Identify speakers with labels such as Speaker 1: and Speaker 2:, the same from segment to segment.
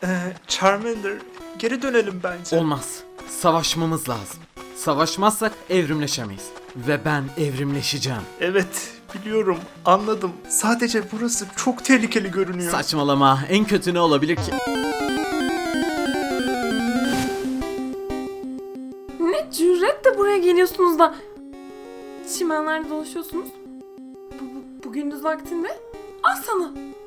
Speaker 1: Charmander, geri dönelim bence.
Speaker 2: Olmaz. Savaşmamız lazım. Savaşmazsak evrimleşemeyiz. Ve ben evrimleşeceğim.
Speaker 1: Evet, biliyorum, anladım. Sadece burası çok tehlikeli görünüyor.
Speaker 2: Saçmalama. En kötü ne olabilir ki?
Speaker 3: Ne cüretle buraya geliyorsunuz da çimenlerde dolaşıyorsunuz. Bu gündüz vaktinde. Al sana.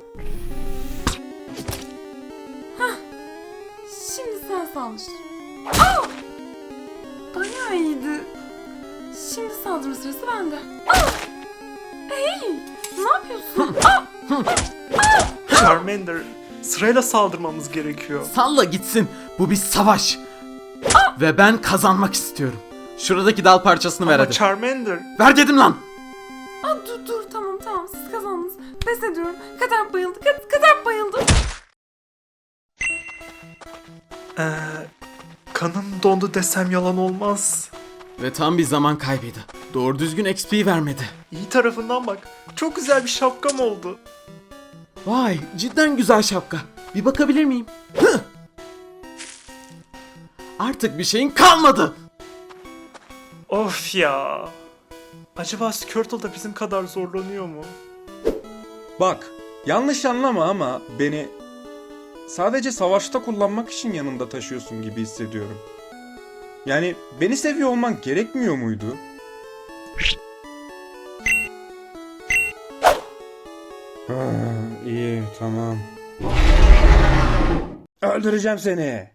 Speaker 3: Hah. Şimdi sen saldır. Aa! Bayağı iyiydi. Şimdi saldırı sırası bende. Aa! Hey! Ne yapıyorsun?
Speaker 1: Charmander, sırayla saldırmamız gerekiyor.
Speaker 2: Salla gitsin. Bu bir savaş. Ve ben kazanmak istiyorum. Şuradaki dal parçasını ver
Speaker 1: Ama
Speaker 2: hadi.
Speaker 1: Charmander,
Speaker 2: Ver dedim lan.
Speaker 3: Aa, dur tamam siz kazandınız. Pes ediyorum. Kadar bayıldı. Kadar bayıldı.
Speaker 1: kanım dondu desem yalan olmaz.
Speaker 2: Ve tam bir zaman kaybıydı. Doğru düzgün XP vermedi.
Speaker 1: İyi tarafından bak, çok güzel bir şapkam oldu.
Speaker 2: Vay, cidden güzel şapka. Bir bakabilir miyim? Hıh! Artık bir şeyin kalmadı.
Speaker 1: Of ya. Acaba Squirtle da bizim kadar zorlanıyor mu?
Speaker 4: Bak, yanlış anlama ama beni sadece savaşta kullanmak için yanında taşıyorsun gibi hissediyorum. Yani beni seviyor olman gerekmiyor muydu? Ha, iyi, tamam. Öldüreceğim seni.